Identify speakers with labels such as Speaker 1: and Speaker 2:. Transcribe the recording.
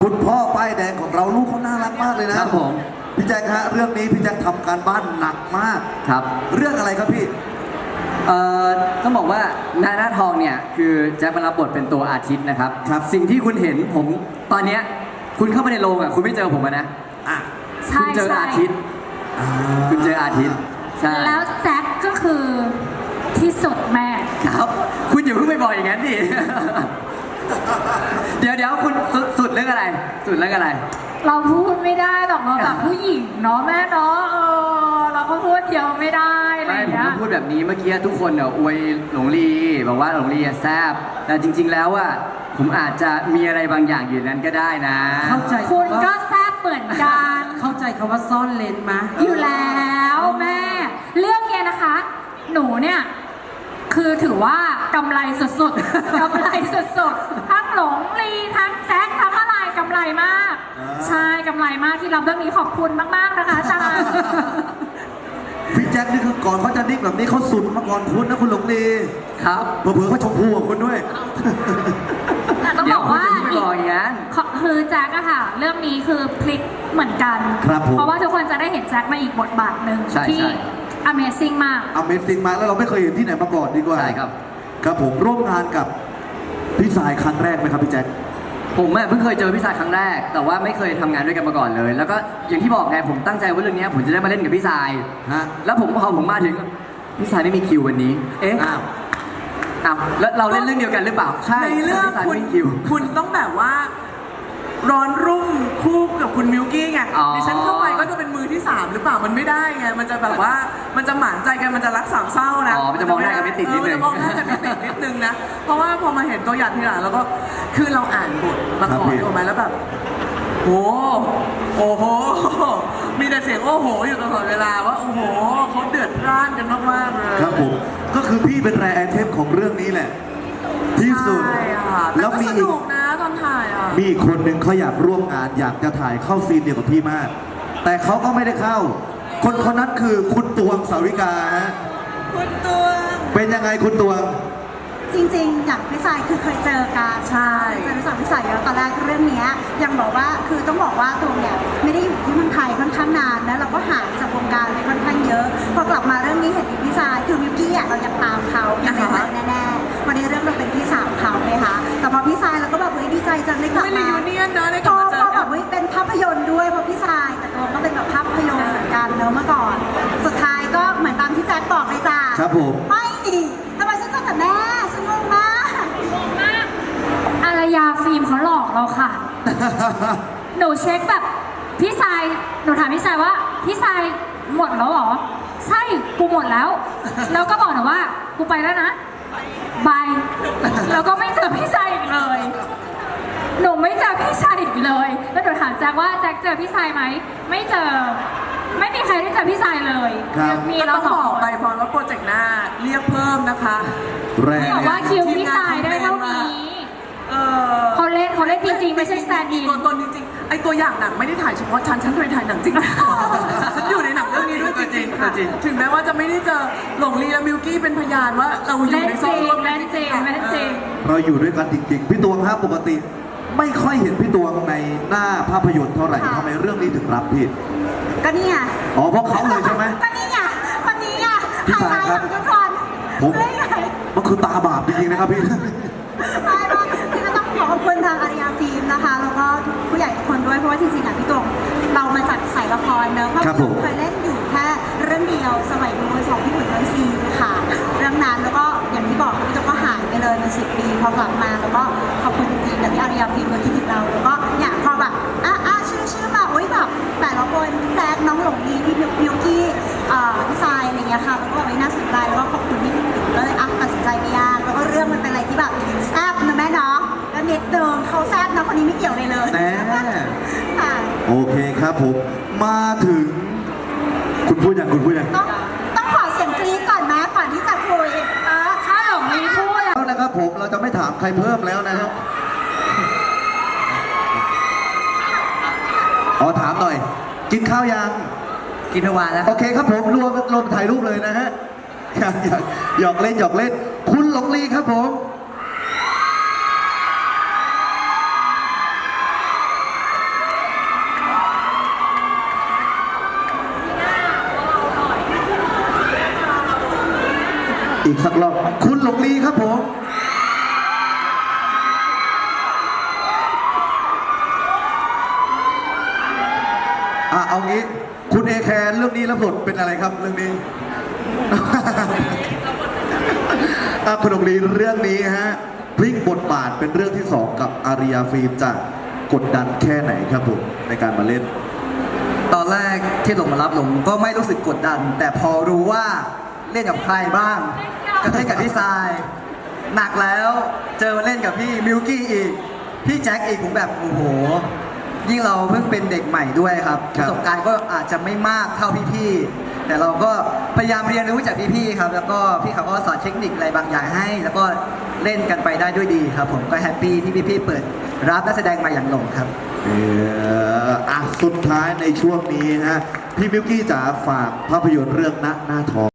Speaker 1: คุณพ่อป้ายแดงของเราลูกเขาน่ารักมากเลยนะครับ
Speaker 2: ผม
Speaker 1: พี่แจ็คฮะเรื่องนี้พี่แจ็คทำการบ้านหนักมาก
Speaker 2: ครับ
Speaker 1: เรื่องอะไรครับพี่
Speaker 2: ต้องบอกว่าหน้าทองเนี่ยคือแจ็คมารับบทเป็นตัวอาทิตย์นะครับ
Speaker 1: ครับ
Speaker 2: สิ่งที่คุณเห็นผมตอนเนี้ยคุณเข้ามาในโรงอ่ะคุณไม่เจอผมนะคุณเจออาทิตย์คุณเจออาทิตย์ใช่
Speaker 3: แล้วแจ็คก็คือที่สุดแม่
Speaker 2: ครับคุณอย่าเพิ่งไปบอกอย่างนั้นดิเดี๋ยวคุณสุดเรื่องอะไรสุดเรื่องอะไร
Speaker 3: เราพูดไม่ได้หรอกเราแบบผู้หญิงเนาะแม่เนาะเราก็พูดเดียวไม่ได้อะไรอย่างเงี้ย
Speaker 2: ผมพูดแบบนี้เมื่อกี้ทุกคนเนี่ยอวยหลงลีบอกว่าหลงลีแซ่บแต่จริงๆแล้วอ่ะผมอาจจะมีอะไรบางอย่างอยู่นั้นก็ได้นะ
Speaker 4: เข้าใจ
Speaker 3: คุณก็แซ่บเหมือนกัน
Speaker 4: เข้าใจคำว่าซ่อนเลนมา
Speaker 3: อยู่แล้วแม่เรื่องเนี้ยนะคะหนูเนี่ยคือถือว่ากำไรสุดๆ กำไรสุดๆทั้งหลงลีทั้งแจ็คทั้งอะไรกำไรมากใช่กำไรมากที่รับเรื่องนี้ขอบคุณมากๆนะคะอาจารย์
Speaker 1: พี่แจ็คนี่คือก่อนเขาจะนิ่งแบบนี้เขาสุดมาก่อนคุณนะคุณหลงลี
Speaker 2: ครับ
Speaker 1: เผื่อเขาชมพูกับคุณด้วย
Speaker 3: ต้องบอกว่าคือแจ็คอะค่ะเรื่องนี้คือพลิกเหมือนกันเพราะว่าทุกคนจะได้เห็นแจ็คมาอีกบทบาทหนึ่งที่ Amazing มาก
Speaker 1: Amazing มากแล้วเราไม่เคยเห็นที่ไหนมาก่อนดีกว่า
Speaker 2: ใช่ครับ
Speaker 1: ครับผมร่วมงานกับพี่สายครั้งแรกไหมครับพี่แจ็ค
Speaker 2: ผมเพิ่งเคยเจอพี่สายครั้งแรกแต่ว่าไม่เคยทำงานด้วยกันมาก่อนเลยแล้วก็อย่างที่บอกไงผมตั้งใจว่าเรื่องนี้ผมจะได้มาเล่นกับพี่สายแล้วพอผมมาถึงพี่สายไม่มีคิววันนี้อ้าวแล้วเราเล่นเรื่องเดียวกันหรือเปล่าใช่
Speaker 4: ในเรื่องคุณต้องแบบว่าร้อนรุ่มคู่กับคุณมิวกี้ไงดิฉันเข้าไปก็จะเป็นมือที่3หรือเปล่ามันไม่ได้ไงมันจะแบบว่ามันจะหมานใจกันมันจะรักสามเศร้านะ
Speaker 2: มันจะมองหน้ากันไม่ติดนิดนึง
Speaker 4: มองหน้ากันไม่ติดนิดนึงนะเพราะว่าพอมาเห็นตัวอย่างทีหลังแล้วก็คือเราอ่านบทมาก่อนถูกไหมแล้วแบบโอ้โหมีแต่เสียงโอ้โหอยู่ตลอดเวลาว่าโอ้โหเขาเดือดร้อนกันมากๆเลย
Speaker 1: ครับผมก็คือพี่เป็นแรร์ไอเทมของเรื่องนี้แหละที่สุด
Speaker 4: แล้วมีอีกนะตอนถ่าย
Speaker 1: มีอีกคนหนึ่งเขาอยากร่วมงานอยากจะถ่ายเข้าซีนเดียวกับพี่มากแต่เขาก็ไม่ได้เข้าคนนั้นคือคุณตวงสาวิกาฮะ
Speaker 4: คุณตวง
Speaker 1: เป็นยังไงคุณตวง
Speaker 5: จริงๆอย่างพี่สายคือเคยเจอกัน
Speaker 4: ใช่
Speaker 5: เคยรู้จักพี่สายแล้วตอนแรกเรื่องนี้ยังบอกว่าคือต้องบอกว่าตัวเนี่ยไม่ได้อยู่ที่เมืองไทยค่อนข้างนานนะเราก็ห่างจากวงการไปค่อนข้างเยอะพอกลับมาเรื่องนี้เห็นพี่สายคือมิวกี้เราอยากตามเขาอยากไปแน่ๆวันนี้เรื่องเราเป็นพี่สาวเขาเลยค่ะแต่พอพี่สายเราก็แบบดีใจจังได้กลับมา
Speaker 4: ยูเนียนนะได้กลับมาเจอ
Speaker 5: แบบเป็นภาพยนตร์ด้วยเพราะพี่สายแต่ตัวก็เป็นแบบภาพยนตร์เหมือนกันเนอะเมื่อก่อนสุดท้ายก็เหมือนตามที่แจ็คบอกเลยจ้า
Speaker 1: ครับผม
Speaker 5: ไม่ดิทำไมฉันเจอแต่แม่ฉันงงมาก
Speaker 3: อารยาฟิล์มเขาหลอกเราค่ะ หนูเช็คแบบพี่ชายหนูถามพี่ชายว่าพี่ชายหมดแล้วเหรอใช่กูหมดแล้วแล้วก็บอกหนูว่ากูไปแล้วนะบายแล้วก็ไม่เจอพี่ชายอีกเลยหนูไม่เจอพี่ชายอีกเลยแล้วหนูถามแจ็คว่าแจ็คเจอพี่ชายไหมไม่เจอไม่มีใครได้เจอพี่ชายเลย
Speaker 4: มีเราสองไปพอแล้วโปรเจกต์หน้าเรียกเพิ่มนะคะ
Speaker 3: พี่บอกว่าคิวพี่ชายได้เท่านี้เขาเล่นจริงๆไม่ใช่แซนดี้
Speaker 4: ตัวตนจริงๆไอตัวอย่างหนังไม่ได้ถ่ายเฉพาะฉันเคยถ่ายหนังจริงฉันอยู่ในหนังเรื่องนี้ด้วยจริงๆค่ะถึงแม้ว่าจะไม่ได้เจอหลงลีและมิวกี้เป็นพยานว่าเราอยู่ในโซนร่วมกันจริง
Speaker 1: เราอยู่ด้วยกันจริงๆพี่ตวงครับปกติไม่ค่อยเห็นพี่ตวงในหน้าภาพยนตร์เท่าไหร่ทำไมเรื่องนี้ถึงรับพี่
Speaker 5: ก็นี่ไง
Speaker 1: อ๋อเพราะเขาเลยใช่ไหม
Speaker 5: ก็นี่ไงคนนี้ไงพี่สายครับ
Speaker 1: ผมมันคือตาบาปจริงๆนะครับพี่
Speaker 5: คือก็ต้องขอบคุณทางอาริยาฟิล์มนะคะแล้วก็ผู้ใหญ่ทุกคนด้วยเพราะว่าจริงๆพี่ตวงเรามาจากสายละครเนอะเพราะพี่เคยเล่นอยู่แค่เรื่องเดียวสมัยนู้นของพี่หนุ่ยเรื่องซีค่ะเรื่องนั้นแล้วก็อย่างที่บอกพี่ตวงก็หายไปเลยเป็น10 ปีพอกลับมาแล้วก็ขอบคุณจริงๆกับที่อาริยาฟิล์มเลยคิดถึงเราแล้วก็เนี่ยพอแบบชื่อมาโอ๊ยแบบแต่ละคนแซกน้องหลงดีพี่มิวกี้พี่ทรายอะไรเงี้ยค่ะแล้วก็แบบน่าสนใจแล้วก็ขอบคุณที่ก็เลยตัดสินใจไม่ยากแล้วก็เรื่องมันเป็นอะไรที่แบบแซ่บนะแม่เนาะแล้วเน็ตเดิมเขาแซ่บนะคนนี้ไม่เกี่ยวเลย
Speaker 1: แน่โอเคครับผมมาถึงคุณพูดอย่าง
Speaker 5: ต้องขอเสียงกรี๊ดก่อนนะก่อนที่จะคุย
Speaker 3: ถ้าหลงลีพูด
Speaker 1: แล้วนะครับผมเราจะไม่ถามใครเพิ่มแล้วนะครับขอถามหน่อยกินข้าวยัง
Speaker 2: กินเมื่อวานแล้ว
Speaker 1: โอเคครับผมรวมถ่ายรูปเลยนะฮะหยอกเล่นคุณหลงลีครับผมอีกสักรอบคุณหลงลีครับผมเอางี้คุณเอแคนเรื่องนี้รับบทเป็นอะไรครับเรื่องนี้ คุณหลงลีเรื่องนี้ฮะพลิกบทบาทเป็นเรื่องที่ 2 กับอาริยาฟิล์มจะกดดันแค่ไหนครับผมในการมาเล่น
Speaker 6: ตอนแรกที่หลงมารับหลงก็ไม่รู้สึกกดดัน แต่พอรู้ว่าเล่นกับใครบ้างก็เล่นกับพี่ทรายหนักแล้วเจอมาเล่นกับพี่มิวกี้อีกพี่แจ็คอีกผมแบบโอ้โหยิ่งเราเพิ่งเป็นเด็กใหม่ด้วยครับ
Speaker 1: ค
Speaker 6: ป
Speaker 1: รับ
Speaker 6: ระสบการณ์ก็อาจจะไม่มากเท่าพี่ๆแต่เราก็พยายามเรียนรู้จากพี่ๆครับแล้วก็พี่เขาก็สอนเทคนิคอะไรบางอย่างให้ แล้วก็เล่นกันไปได้ด้วยดีครับผมก็แฮปปี้ที่พี่ๆเปิดรับนักแสดงมาอย่างหลงครับ
Speaker 1: สุดท้ายในช่วงนี้ฮะพี่มิวกี้จ๋าฝากภาพยนตร์เรื่องหน้าทอง